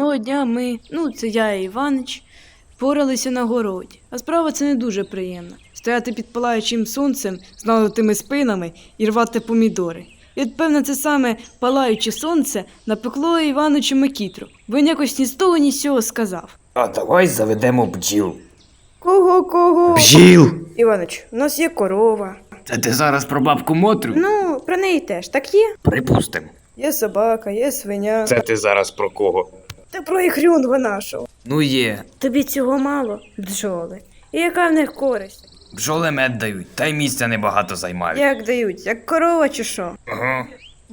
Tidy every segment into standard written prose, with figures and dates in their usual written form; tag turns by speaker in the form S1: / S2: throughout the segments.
S1: Одного дня ми, це я і Іванич, поралися на городі. А справа це не дуже приємна. Стояти під палаючим сонцем з нагнутими спинами і рвати помідори. І от, певно, це саме палаюче сонце напекло Іваничу макітру, бо він якось ні з того, ні з цього сказав.
S2: А давай заведемо бджіл.
S1: Кого?
S2: Бджіл!
S1: Іванич, у нас є корова.
S2: Це ти зараз про бабку Мотрю?
S1: Ну, про неї теж, так є?
S2: Припустим.
S1: Є собака, є свиня.
S2: Це ти зараз про кого?
S1: Та про ігрюнга нашого.
S2: Ну є.
S1: Тобі цього мало, бджоли. І яка в них користь?
S2: Бджоли мед дають, та й місця небагато займають.
S1: Як дають? Як корова чи що?
S2: Ага.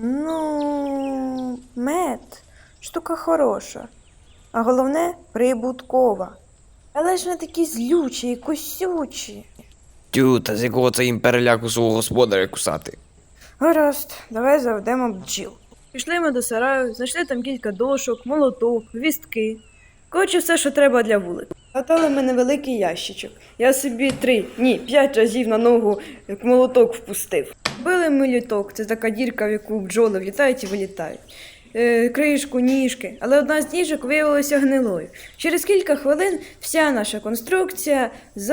S1: Ну, мед штука хороша, а головне прибуткова. Але ж вони такі злючі і косючі.
S3: Тю, та з якого це їм переляку свого господаря кусати?
S1: Гаразд, давай заведемо бджіл. Пішли ми до сараю, знайшли там кілька дошок, молоток, вістки. Коротше, все, що треба для вулику. Хватали ми невеликий ящичок. Я собі 5 разів на ногу як молоток впустив. Били ми літок, це така дірка, в яку бджоли влітають і вилітають. Кришку, ніжки, але одна з ніжок виявилася гнилою. Через кілька хвилин вся наша конструкція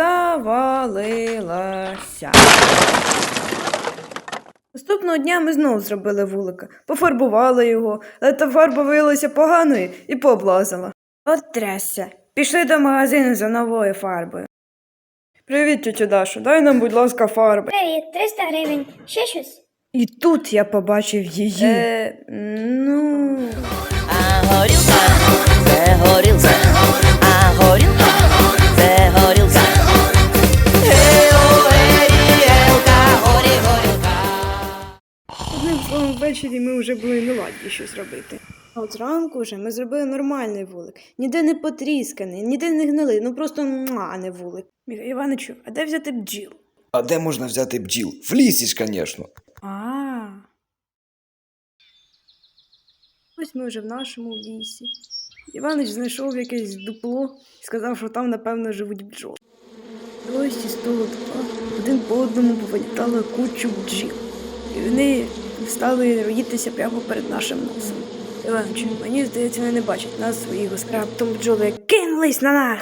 S1: завалилася. Наступного дня ми знову зробили вулика, пофарбували його, але та фарба виявилася поганою і пооблазила. От трясся. Пішли до магазину за новою фарбою. Привіт, тетя Даша, дай нам, будь ласка, фарби.
S4: Привіт, 300 гривень. Ще щось?
S1: І тут я побачив її.
S5: А горілка, це горілка, а горілка, це горілка.
S1: Одним словом, ввечері ми вже були не ладні щось робити. А от зранку вже ми зробили нормальний вулик. Ніде не потрісканий, ніде не гнилий, просто а не вулик. Іваничу, а де взяти бджіл?
S3: А де можна взяти бджіл? В лісі ж, звісно.
S1: Ось ми вже в нашому лісі. Іванич знайшов якесь дупло і сказав, що там, напевно, живуть бджоли. Ось із того дупла один по одному повилітало кучу бджіл. І вони стали роїтися прямо перед нашим носом. Іваничу, мені здається, вони не бачать нас своїх господарів. Раптом бджоли кинулись на нас.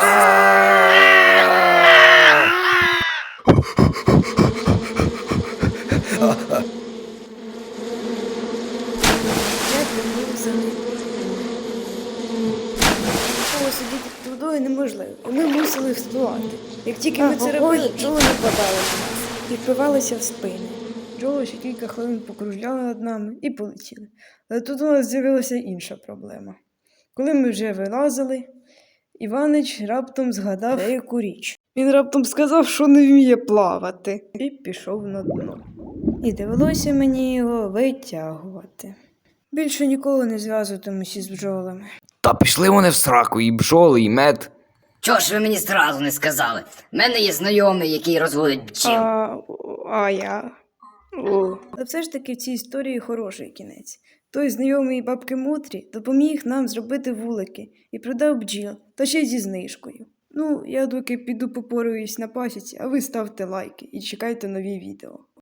S1: Сидіти під водою неможливо. Ми мусили вспливати. Як тільки ми це робили, бджоли нападали на нас і впивалися в спини. Бджоли ще кілька хвилин покружляли над нами і полетіли. Але тут у нас з'явилася інша проблема. Коли ми вже вилазили, Іванич раптом згадав деяку річ. Він раптом сказав, що не вміє плавати. І пішов на дно. І довелося мені його витягувати. Більше ніколи не зв'язуватимуся з бджолами.
S3: Та пішли вони в сраку, і бджоли, і мед.
S6: Чого ж ви мені зразу не сказали? В мене є знайомий, який розводить бджіл.
S1: Але все ж таки в цій історії хороший кінець. Той знайомий бабки Мотрі допоміг нам зробити вулики і продав бджіл, та ще й зі знижкою. Я доки піду попораюсь на пасіці, а ви ставте лайки і чекайте нові відео.